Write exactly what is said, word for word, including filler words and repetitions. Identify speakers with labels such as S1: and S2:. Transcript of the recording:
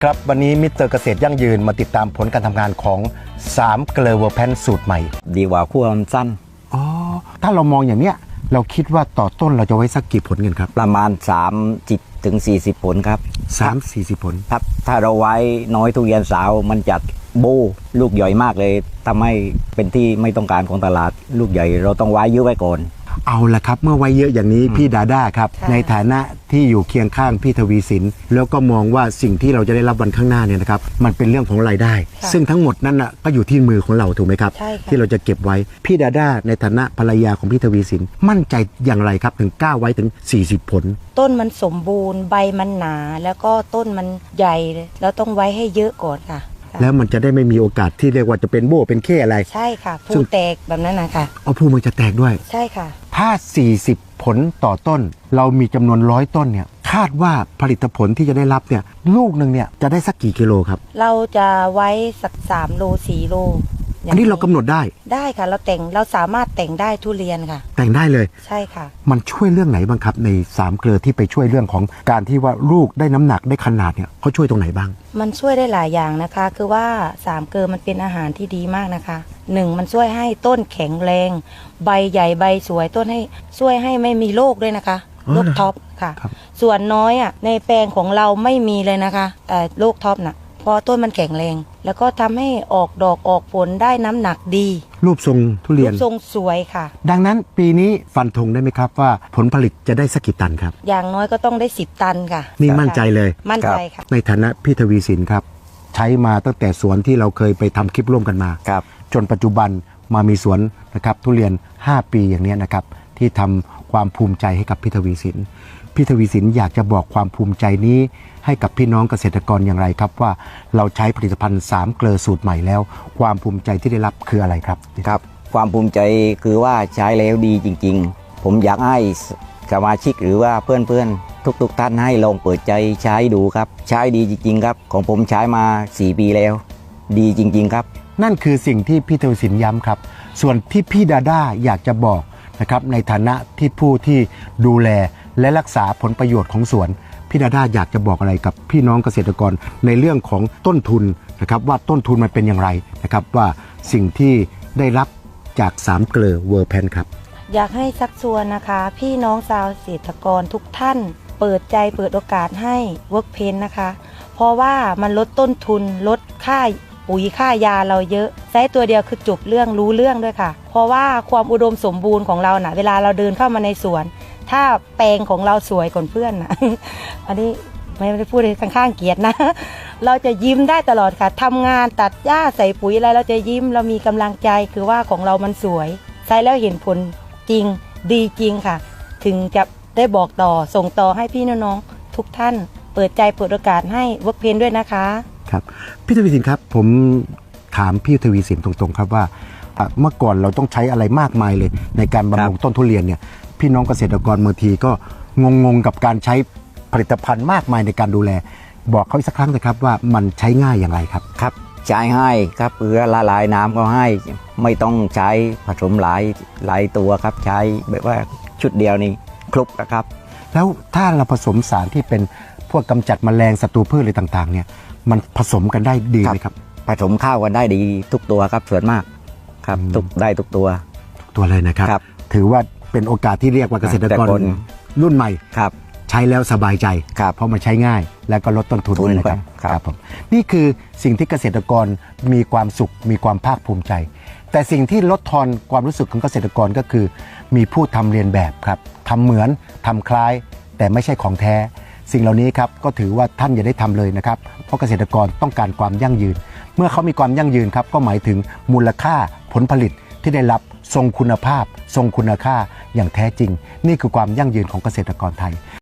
S1: ครับวันนี้มิสเตอร์เกษตรยั่งยืนมาติดตามผลการทำงานของสามเกลอเวอร์แพนสูตรใหม่
S2: ดีกว่าขั้วมันสั้น
S1: อ๋อถ้าเรามองอย่างเนี้ยเราคิดว่าต่อต้นเราจะไว้สักกี่ผลกันครับ
S2: ประมาณสามสิบถึงสี่สิบผลครับ
S1: สามสี่สิบผล
S2: ครับถ้าเราไว้น้อยทุเรียนสาวมันจัดโบลูกใหญ่มากเลยทำให้เป็นที่ไม่ต้องการของตลาดลูกใหญ่เราต้องไว้เยอะไว้ก่อน
S1: เอาละครับเมื่อไว้เยอะอย่างนี้พี่ดาด้าครับในฐานะที่อยู่เคียงข้างพี่ทวีสินแล้วก็มองว่าสิ่งที่เราจะได้รับวันข้างหน้าเนี่ยนะครับมันเป็นเรื่องของรายได้ซึ่งทั้งหมดนั้นน่ะก็อยู่ที่มือของเราถูกไหมครับที่เราจะเก็บไว้พี่ดาด้าในฐานะภรรยาของพี่ทวีสินมั่นใจอย่างไรครับถึงกล้าไว้ถึงสี่สิบผล
S3: ต้นมันสมบูรณ์ใบมันหนาแล้วก็ต้นมันใหญ่แล้วต้องไว้ให้เยอะก่อนค่ะ
S1: แล้วมันจะได้ไม่มีโอกาสที่เรียกว่าจะเป็นโบ้เป็นเข้อะไร
S3: ใช่ค่ะภูแตกแบบนั้นนะคะ
S1: เอาภูมันจะแตกด้วย
S3: ใช่ค่ะ
S1: ถ้าสี่สิบผลต่อต้นเรามีจำนวนร้อยต้นเนี่ยคาดว่าผลิตผลที่จะได้รับเนี่ยลูกหนึ่งเนี่ยจะได้สักกี่กิโลครับ
S3: เราจะไว้สักสามโลสี่โล
S1: อันนี้เรากำหนดได้
S3: ได้ค่ะเราแต่งเราสามารถแต่งได้ทุเรียนค่ะ
S1: แต่งได้เลย
S3: ใช่ค่ะ
S1: มันช่วยเรื่องไหนบ้างครับในสามเกลือที่ไปช่วยเรื่องของการที่ว่าลูกได้น้ำหนักได้ขนาดเนี่ยเขาช่วยตรงไหนบ้าง
S3: มันช่วยได้หลายอย่างนะคะคือว่าสามเกลือมันเป็นอาหารที่ดีมากนะคะหนึ่งมันช่วยให้ต้นแข็งแรงใบใหญ่ใบสวยต้นให้ช่วยให้ไม่มีโรคด้วยนะคะโรคท็อปค่ะส่วนน้อยอ่ะในแปลงของเราไม่มีเลยนะคะแต่โรคท็อปน่ะเพราะต้นมันแข็งแรงแล้วก็ทำให้ออกดอกออกผลได้น้ำหนักดี
S1: รูปทรงทุเรียน
S3: รูปทรงสวยค่ะ
S1: ดังนั้นปีนี้ฟันธงได้ไหมครับว่าผลผลิตจะได้สักกี่ตันครับ
S3: อย่างน้อยก็ต้องได้สิบตันค่ะ
S1: นี่มั่นใจเลย
S3: มั่นใจค่ะ
S1: ในฐานะพี่ทวีสินครับใช้มาตั้งแต่สวนที่เราเคยไปทำคลิปร่วมกันมาจนปัจจุบันมามีสวนนะครับทุเรียนห้าปีอย่างนี้นะครับที่ทำความภูมิใจให้กับพี่ทวีสินพี่ทวีสินอยากจะบอกความภูมิใจนี้ให้กับพี่น้องเกษตรกรอย่างไรครับว่าเราใช้ผลิตภัณฑ์สามเกลอสูตรใหม่แล้วความภูมิใจที่ได้รับคืออะไรครับ
S2: ครับความภูมิใจคือว่าใช้แล้วดีจริงๆผมอยากให้สมาชิกหรือว่าเพื่อนๆทุกๆท่านให้ลองเปิดใจใช้ดูครับใช้ดีจริงๆครับของผมใช้มาสี่ปีแล้วดีจริงๆครับ
S1: นั่นคือสิ่งที่พี่ทวีสินย้ำครับส่วนที่พี่ดาด้าอยากจะบอกนะครับในฐานะที่ผู้ที่ดูแลและรักษาผลประโยชน์ของสวนพี่ดาด้าอยากจะบอกอะไรกับพี่น้องเกษตรกรในเรื่องของต้นทุนนะครับว่าต้นทุนมันเป็นอย่างไรนะครับว่าสิ่งที่ได้รับจากสามเกลอเวอร์แพนครับ
S3: อยากให้ชักชวนนะคะพี่น้องชาวเกษตรกรทุกท่านเปิดใจเปิดโอกาสให้เวิร์กเพนนะคะเพราะว่ามันลดต้นทุนลดค่าปุ๋ยค่ายาเราเยอะใช้ตัวเดียวคือจบเรื่องรู้เรื่องด้วยค่ะเพราะว่าความอุดมสมบูรณ์ของเรานะ่ะเวลาเราเดินเข้ามาในสวนถ้าแปลงของเราสวยกว่าเพื่อนนะ อันนี้ไม่ได้พูดข้างๆเกียรตินะเราจะยิ้มได้ตลอดค่ะทำงานตัดหญ้าใส่ปุ๋ยอะไรเราจะยิ้มเรามีกำลังใจคือว่าของเรามันสวยใช้แล้วเห็นผลจริงดีจริงค่ะถึงจะได้บอกต่อส่งต่อให้พี่น้องๆทุกท่านเปิดใจเปิดโอกาสให้เวิร์กเพนด้วยนะคะ
S1: ครับพี่ทวีสินครับผมถามพี่ทวีสินตรงๆครับว่าเมื่อก่อนเราต้องใช้อะไรมากมายเลยในการบำรุงต้นทุเรียนเนี่ยพี่น้องเกษตรกรบางทีก็งงๆกับการใช้ผลิตภัณฑ์มากมายในการดูแลบอกเขาอีกสักครั้งนะครับว่ามันใช้ง่ายอย่างไรครับ
S2: ครับใช้ให้ครับเอือละลายน้ำก็ให้ไม่ต้องใช้ผสมหลายหลายตัวครับใช้แบบว่าชุดเดียวนี่ครบนะครับ
S1: แล้วถ้าเราผสมสารที่เป็นพวกกำจัดแมลงศัตรูพืชอะไรต่างๆเนี่ยมันผสมกันได้ดีไหมครับ
S2: ผสมข้าวกันได้ดีทุกตัวครับส่วนมากครับทุกได้ทุกตัว
S1: ทุกตัวเลยนะครับถือว่าเป็นโอกาสที่เรียกว่าเกษตรกรรุ่นใหม่
S2: ครับ
S1: ใช้แล้วสบายใจเพราะมันใช้ง่ายและก็ลดต้นทุนนะครับครับผมนี่คือสิ่งที่เกษตรกรมีความสุขมีความภาคภูมิใจแต่สิ่งที่ลดทอนความรู้สึกของเกษตรกรก็คือมีผู้ทำเรียนแบบครับทำเหมือนทำคล้ายแต่ไม่ใช่ของแท้สิ่งเหล่านี้ครับก็ถือว่าท่านอย่าได้ทำเลยนะครับเพราะเกษตรกรต้องการความยั่งยืนเมื่อเขามีความยั่งยืนครับก็หมายถึงมูลค่าผลผลิตที่ได้รับทรงคุณภาพทรงคุณค่าอย่างแท้จริงนี่คือความยั่งยืนของเกษตรกรไทย